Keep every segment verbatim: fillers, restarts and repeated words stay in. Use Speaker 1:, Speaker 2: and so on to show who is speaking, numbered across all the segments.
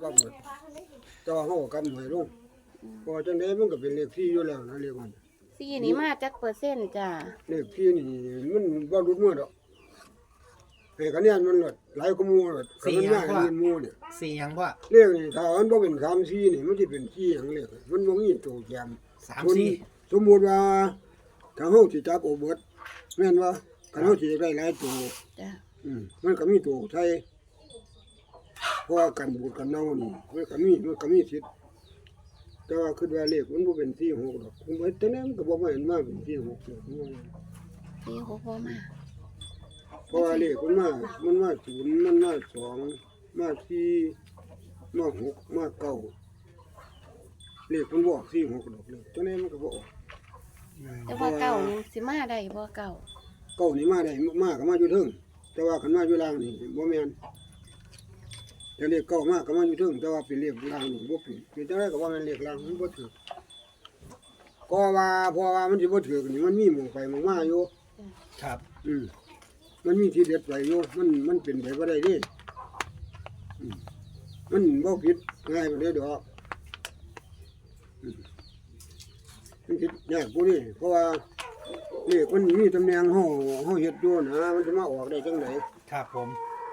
Speaker 1: ปั๊บเลยแต่ว่าเขาก็กำหน่วยลงพอจังได๋มันก็เป็นเลขที่อยู่แล้วนะเลขมัน
Speaker 2: สี่นี่มาจากเปอร์เซ็นต์จ้ะ
Speaker 1: เลขที่นี่มันบ่รุดมือดอกให้คะแนนมันลดหลายกว่าหมู่ลดคันมันมาให้หมู่เนี่ย
Speaker 3: สี่หยังพ่อ
Speaker 1: เลขนี่ถ้ามันบ่เป็นสาม สี่นี่มันสิเป็นสี่หยังเลขมันบ่มีตัวแจม
Speaker 3: สามสี่
Speaker 1: สมมุติว่าถ้าเฮาสิจับเอาเบิดแม่นว่าคันเฮาสิได้หลายตัว
Speaker 2: จ้ะ
Speaker 1: อืมมันก็มีตัวใช้เพราะว่ากันบูดกันเน่านี่มันก็มีมันก็มีสิทธิ์แต่ว่าคิดว่าเลขมันบ่เป็นสี่ หกดอกผมว่าแต่นั้นมันก็บ่มาเห็นมาเป็นสี่ หกดอก
Speaker 2: สี่หกบ่มา
Speaker 1: เพราะว่าเลขมันมามันมาศูนย์มันมาสองมาสี่มาหกมาเก้าเลขมันบ่ออกสี่ หกดอกเลยแต่นั้นมันก็บ่ออก
Speaker 2: แต่ว่าเก่านี่สิมาได้บ่เก่า
Speaker 1: เก้านี่มาได้มาก็มาอยู่เทิงแต่ว่าคันมาอยู่ล่างนี่บ่แม่นแต่เลขเก้ามาก็มาอยู่เทิงแต่ว่าเป็นเลขล่างนี่บ่เป็นเป็นจังได๋ก็ว่ามันเลขล่างมันบ่ถูกก็ว่าเพราะว่ามันสิบ่ถูกนี่มันมีหม่องไปหม่องมาอยู่
Speaker 3: ครับ
Speaker 1: อืมมันมีที่เด็ดไว้อยู่มันมันเป็นไปบ่ได้เด้อืมมันบ่ผิดง่ายบ่ได้ดอกอืมมันผิดยากกว่านี้เพราะว่าเลขมันมีตำแหน่งเฮาเฮาเฮ็ดอยู่นะมันจะมาออกได้จังได๋
Speaker 3: ครับผม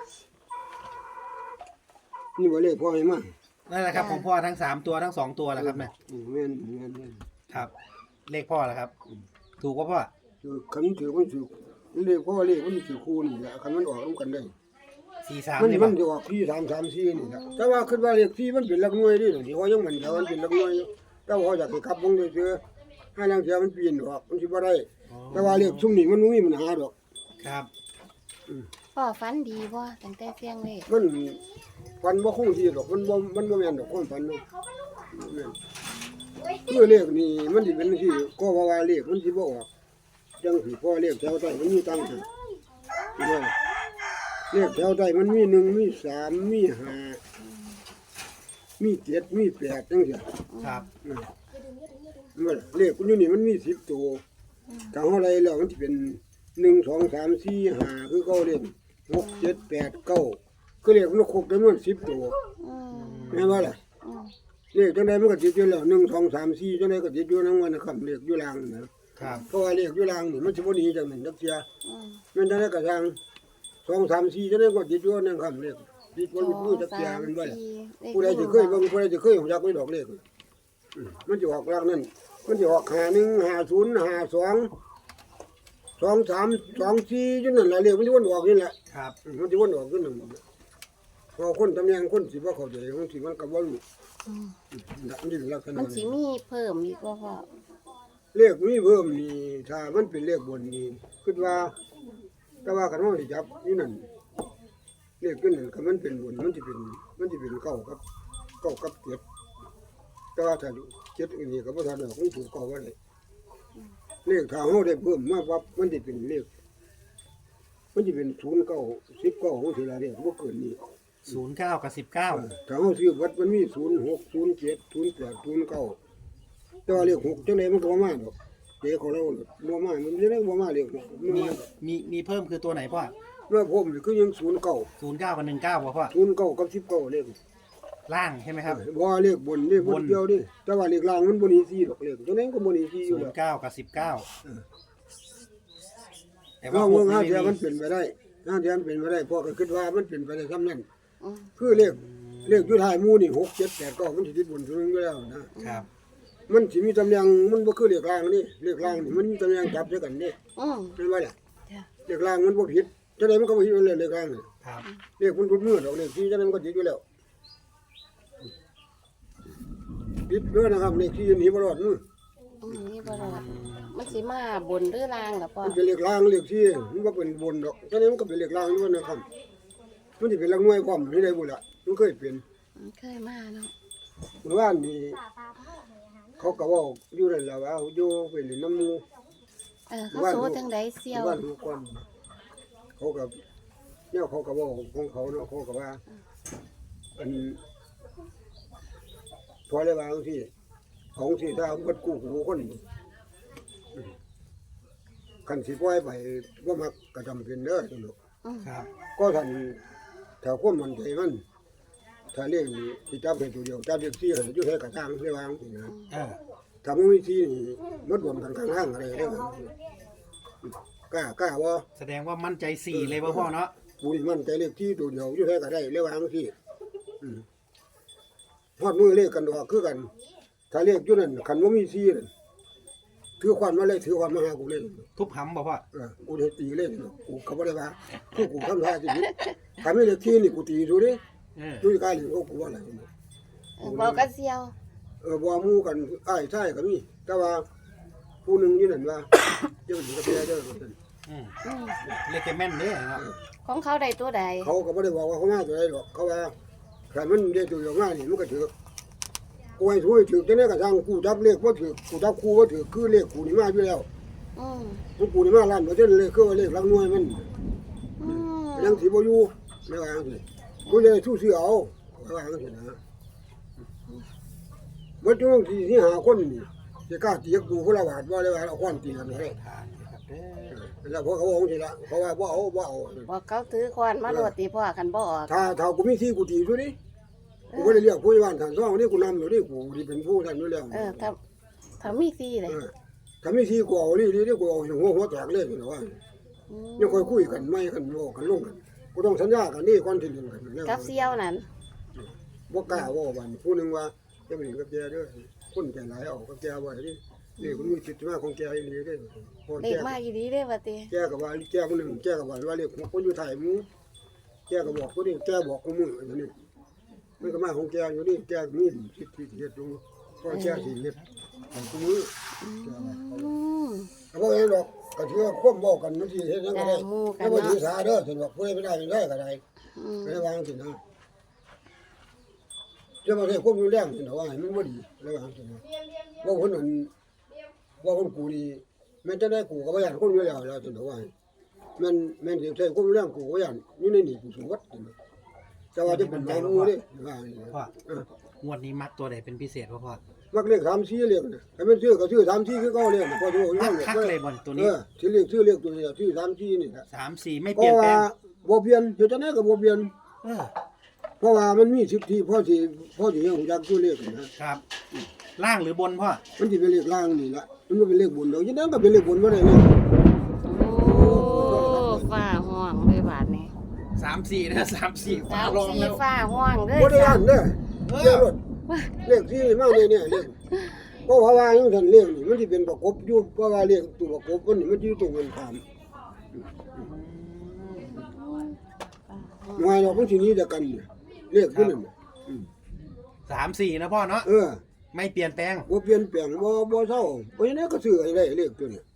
Speaker 1: นี่บ่เลขพ่อให้มา
Speaker 3: นั่นแหละครับของพ่อทั้งสามตัวทั้งสองตัวแหละครับแม่
Speaker 1: แม่นแม่นแม่น
Speaker 3: ครับเลขพ่อแหละครับถูกป่ะพ่อ
Speaker 1: คือคันถือมันถือเลขพ่อเลขมันสิคู่นี่แหละคันมันออกนำกันได้
Speaker 3: สี่สาม
Speaker 1: มัน
Speaker 3: นี่
Speaker 1: มันจะออกที่สาม สาม สี่นี่แหละแต่ว่าคิดว่าเลขที่มันเป็นหลักหน่วยนี่ที่เขายังมันเดี๋ยวมันเป็นหลักหน่วยอยู่แต่ว่าเขาอยากสิขับวงได้ซื่อให้ลางเที่ยมันปีนออกมันสิบ่ได้แต่ว่าเลขซุมนี้มันบ่มีปัญหาดอก
Speaker 3: ครับ
Speaker 2: พ่อฝันดีบ่ตั้งแต่เสียงเลข
Speaker 1: มันฟันบ่คงที่ดอกมันบ่มันบ่แม่นดอกความฝันเนาะแม่นคือเลขนี่มันสิเป็นจังซี่ก็ว่าว่าเลขมันสิบ่ออกจังสิพอเลขแถวใต้มันมีตังค์เลขแถวใต้มันมีหนึ่งมีสามมีห้ามีเจ็ดมีแปดจังซี่
Speaker 3: ครับ
Speaker 1: มันเลขอยู่นี่มันมีสิบตัวถ้าเฮาไล่แล้วมันสิเป็นหนึ่ง สอง สาม สี่ ห้าคือเก่าเล่นหก เจ็ด แปด เก้าคือเลขมันครบจำนวนสิบตัวแม่นบ่ล่ะเลขจังได๋มันก็ติดอยู่แล้วหนึ่ง สอง สาม สี่จังได๋ก็ติดอยู่นำวันนะครับเลขอยู่ล่างนะครับเพราะว่าเลขอยู่ล่างนี่มันสิบ่หนีจังนั้นจักเที่ยแม่นจังได๋ก็ทางสอง สาม สี่จังได๋ก็ติดอยู่นั่นครับเลขติดบ่หลุดมือจักเที่ยแม่นบ่ล่ะผู้ใดสิเคยเบิ่งผู้ใดสิเคยรู้จักไว้ดอกเลขมันสิออกล่างนั่นมันสิออกห้า หนึ่ง ห้า ศูนย์ ห้า สอง สอง สาม สอง สี่จังนั้นล่ะเลขมันสิวนออกนี่แหละ
Speaker 3: ครับ
Speaker 1: มันสิวนออกคือนั่นพอคนตำแหน่งคนสิบ่เข้าใจบางทีมันก็บ่รู้อืมมันสิลักษณะ
Speaker 2: มันสิมีเพิ่มอีกบ่พ่อ
Speaker 1: เลขมีเพิ่มนี่ถ้ามันเป็นเลขบนนี่คิดว่าแต่ว่าคันเฮาสิจับนี่นั่นเลขขึ้นนั่นคันมันเป็นบนมันสิเป็นมันสิเป็นเก้ากับเก้ากับเจ็ดแต่ว่าถ้าเจ็ดอันนี้ก็บ่ทันดอกมันถูกเก้าบ่ได้เลขถ้าเฮาได้เพิ่มมาปั๊บมันสิเป็นเลขมันสิเป็นศูนย์ เก้า สิบ เก้าจังซี่ล่ะเลขบ่เกินนี้
Speaker 3: ศูนย์เก้ากับสิบเก้า
Speaker 1: ถ้าเฮาซื้อวัดมันมีศูนย์ หก ศูนย์ เจ็ด ศูนย์ แปด ศูนย์ เก้าแต่ว่าเลขหกจังได๋มันก็บ่มาดอกเด็กของเราบ่มามันจะได้บ่มาเลข
Speaker 3: มีมีมีเพิ่มคือตัวไหนพ่อ
Speaker 1: เมื่อผมคือยังศูนย์ เก้า
Speaker 3: ศูนย์เก้ากับหนึ่งเก้าบ่พ่อ
Speaker 1: ศูนย์ เก้ากับสิบเก้าเลข
Speaker 3: ล่างใช่ไหมครับ
Speaker 1: บ่เลขบนเลขบนเดียวดิแต่ว่าเลขล่างมันบ่หนีสี่ดอกเลขจังได๋ก็บ่หนีสี่อยู่แล้ว
Speaker 3: ศูนย์เก้ากับสิบเก้า
Speaker 1: แต่ว่าวงห้าเทียมันเป็นไปได้ห้าเทียมันเป็นไปได้เพราะก็คิดว่ามันเป็นไปได้ซำนั้นคือเลขเลขอยู่ท้ายหมู่นี่หก เจ็ด แปด เก้ามันสิติดบนถึงอยู่แล้วนะครับมันสิมีตำแหน่งมันบ่คือเลขล่างนี่เลขล่างนี่มันมีตำแหน่งจับด้วยกันนี่
Speaker 2: อือ
Speaker 1: เป็นว่าล่ะเลขล่างมันบ่ผิดจังได๋มันก็บ่ผิดเลยเลขล่างนี่
Speaker 3: ครับ
Speaker 1: เลขมันรุดมือดอกเลขที่จังได๋มันก็ผิดอยู่แล้วผิดเด้อนะครับเลขที่หนีบ่รอดมือ
Speaker 2: อือนี่บ่รอดมันสิมาบนหรือล่างล่ะพ่อ
Speaker 1: มันเป็นเลขล่างเลขที่มันบ่เป็นบนดอกจังได๋มันก็เป็นเลขล่างอยู่นะครับมันสิเป็นหลักหน่วยความนี่ได้บ่ล่ะมันเคยเป็น
Speaker 2: เคยมาเนาะ
Speaker 1: เมื่อวานนี้เขาก็เว้าอยู่นั่นล่ะว่าอยู่ไปเล่นน้ำหมู่
Speaker 2: เออเขาโซจังได๋เสี่ยว
Speaker 1: บ้านฮู้ก่อนเขาก็แนวเขาก็เว้าของเขาเนาะเขาก็ว่าอันพอเลยว่าจังซี่ของสิถ้าเบิดกู้หูคนคันสิปล่อยไปบ่มักก็จำเป็นเด้อจังซี่
Speaker 3: ครับ
Speaker 1: ก็ท่านถ้าความมั่นใจมันถ้าเลขนี้ที่จับให้ตัวเดียวจับเลขสี่ให้อยู่ให้กระซังได้วางสินะ
Speaker 3: เออ
Speaker 1: ถ้ามันมีสี่นี่มัดรวมกันข้างๆอะไรได้กล้ากล้าบ่
Speaker 3: แสดงว่ามั่นใจสี่เลยป่ะพ่อเนาะ
Speaker 1: กูนี่มันใจเลขที่ตัวเดียวอยู่ให้ก็ได้เลยวางสิอืมฮอดมือเลขกันดอกคือกัน ถ้าเลขอยู่นั่นคันบ่มีสี่นั่นถือควันมาเลยถือควันมาหากูเลย
Speaker 3: ทุบหำป่ะพ่อ
Speaker 1: เออกูได้ตีเลยเนาะกูก็บ่ได้ว่ากูกูทำท่าสิถ้าไม่เลขที่นี่กูตีดูดิ
Speaker 3: เออ
Speaker 1: ดูกายนี่กูว่าอะไร
Speaker 2: เออบอกกันเซียว
Speaker 1: เออบ่หมู่กันอ้ายชายก็มีแต่ว่าผู้หนึงอยู่นั่นว่า เจ้าหญิงกับแม่เด้อว่าซั่น
Speaker 3: อืม
Speaker 2: อืม
Speaker 3: เลขแกแม่นเด้อเนาะ
Speaker 2: ของเขาได้ตัวใด
Speaker 1: เขาก็บ่ได้บอกว่าเขามาตัวใดหรอกเขาว่าถ้ามันได้ตัวอย่างมานี่มันก็ถือกูให้ช่วยถือจังได๋ก็ทางกูจับเลขบ่ถือกูจับคู่บ่ถือคือเลขกูนี่มาอยู่แล้ว
Speaker 2: อืม
Speaker 1: กูกูนี่มาล้านเปอร์เซ็นต์เลยคือว่าเลขหลักหน่วยมัน
Speaker 2: อืม
Speaker 1: ยังสิบ่อยู่ไม่ว่าจังซี่กูจะสู้ซื้อเอาไม่ว่าจังซี่นะบ่ต้องสิสิหาคนนี่สิกล้าตีกูคนละบาทบ่ได้ว่าเอาควันตีกันให้
Speaker 3: ทานนะครับเด้อ
Speaker 1: แล้วพวกเขาบอกสิละเพราะว่าบ่เอาบ่เอา
Speaker 2: บอกเขาถือควานมาโหลดตีพ่อกันบ่ออก
Speaker 1: ถ้าถ้ากูมีที่กูตีอยู่ดิกูบ่ได้เรียกผู้ใหญ่บ้านทางซ่องนี่กูนำอยู่ดิกูที่เป็นผู้ท่านอยู่แล้ว
Speaker 2: เออถ้าถ้ามีซีเลย
Speaker 1: เออถ้ามีที่กูเอานี่ดิกูเอาหัวหัวแตกเลยนี่ว่า
Speaker 2: อืม
Speaker 1: ยังค่อยคุยกันไม่กันโลกันลงกันกูต้องสัญญากันนี่ก่อนที่จะกันแล้ว
Speaker 2: กับเซียวนั่น
Speaker 1: บ่กล้าว่าบัดผู้นึงว่าจะไปกับแกเด้อคนใจหลายเอากับแกไว้ดินี่คุณมีจิตมาของแกอีหลีเด้อพอ
Speaker 2: เด็
Speaker 1: แก
Speaker 2: กมาอยู่ดีเด้อว่าติ
Speaker 1: แกก็ว่าแกคนนึงแกก็ว่าว่าเรียกคนอยู่ไทยหมู่แกก็บอกผู้นี้แกบอกกูมืออย่างนี้มันก็มาของแกอยู่นี่แกมีสิทธิ์ที่เฮ็ดอยู่ก็แกสิเฮ็ดของกูมือ
Speaker 2: อืม
Speaker 1: ก็บ่เห็นดอกก็ถือว่าควบบอกกันมันสิเฮ็ดจังได๋
Speaker 2: จ้าหมู่กัน
Speaker 1: แล้วบ่
Speaker 2: เนาะ
Speaker 1: ถือสาเด้อสิบอกผู้ใดไม่ได้ไม่ได้ก็ได้
Speaker 2: อืม
Speaker 1: ไม่ได้วางสินะจะมาใช้ควบอยู่แรงสินะว่าให้มันบ่ดีแล้ววางสินะว่าคนนั้นว่าคนกูนี่แม่นจะได้กูก็บ่อยากคนอยู่แล้วแล้วสินะว่าแม่นแม่นสิใช้ควบอยู่แรงกูก็บ่อยากอยู่ในนี่กูสูงวัดสินะแต่ว่าจะเป็นหมายมูเด้ว่าอย่างนี้
Speaker 3: พ่อ
Speaker 1: เออง
Speaker 3: วดนี้มักตัวไหนเป็นพิเศษป่ะพ่อ
Speaker 1: มักเลขสามสี่เลขนะให้มันซื้อก็ซื้อสามสี่คือเก่าเลยนะพอจะบอกอยู่
Speaker 3: คั
Speaker 1: นั่
Speaker 3: ก
Speaker 1: น
Speaker 3: คักเลยบอลตัวนี้
Speaker 1: เออซื้อเลขซื้อเลขตัวนี้ซื้อสามสี่นี่นะ
Speaker 3: สามสี่ไม่
Speaker 1: เพ
Speaker 3: เปลี่ย
Speaker 1: ราะ
Speaker 3: นแปล
Speaker 1: ว่าง บ่เปลี่ยนเฮ็ดจังได๋ก็บ่เปลี่ยน
Speaker 3: เออ
Speaker 1: เพราะว่ามันมีสิทธิพอสิพอสิเฮ็ดฮู้จักตัวเลขนะครับ
Speaker 3: ล่างหรือบนพ่อ
Speaker 1: มันสิเป็นเลขล่างนี่ล่ะมันบ่เป็นเลขบนดอกจังได๋ก็เป็นเลขบนบ่ได้เลย
Speaker 2: โอ้ฟ้าห้องเลยบาดนี้
Speaker 3: สามสี่นะสามสี่
Speaker 2: สาม
Speaker 3: ลอง
Speaker 2: สี่
Speaker 3: แล้ว
Speaker 2: ฟ้าห้องเลย
Speaker 1: บ่ได้อันเด้อ
Speaker 3: เอ
Speaker 1: เลข
Speaker 3: อ
Speaker 1: รถเลขที่มาเนี่ยเนี่ยเลขเพราะว่าจังซั่นเลขนี่มันสิเป็นประกบอยู่เพราะว่าเลขตัวประกบมันนี่มันอยู่ตรงกันข้ามหน่วยดอกมันสิหนี้เดียวกันเนี่ยเลขอยู่นั่นน่ะอืม
Speaker 3: สามสี่นะพ่อเนาะ
Speaker 1: เออ
Speaker 3: ไม่เปลี่ยนแปลง
Speaker 1: บ่เปลี่ยนแปลงบ่บ่เศร้าเพราะฉะนั้นก็ซื้อให้ได้เลขตัวนี้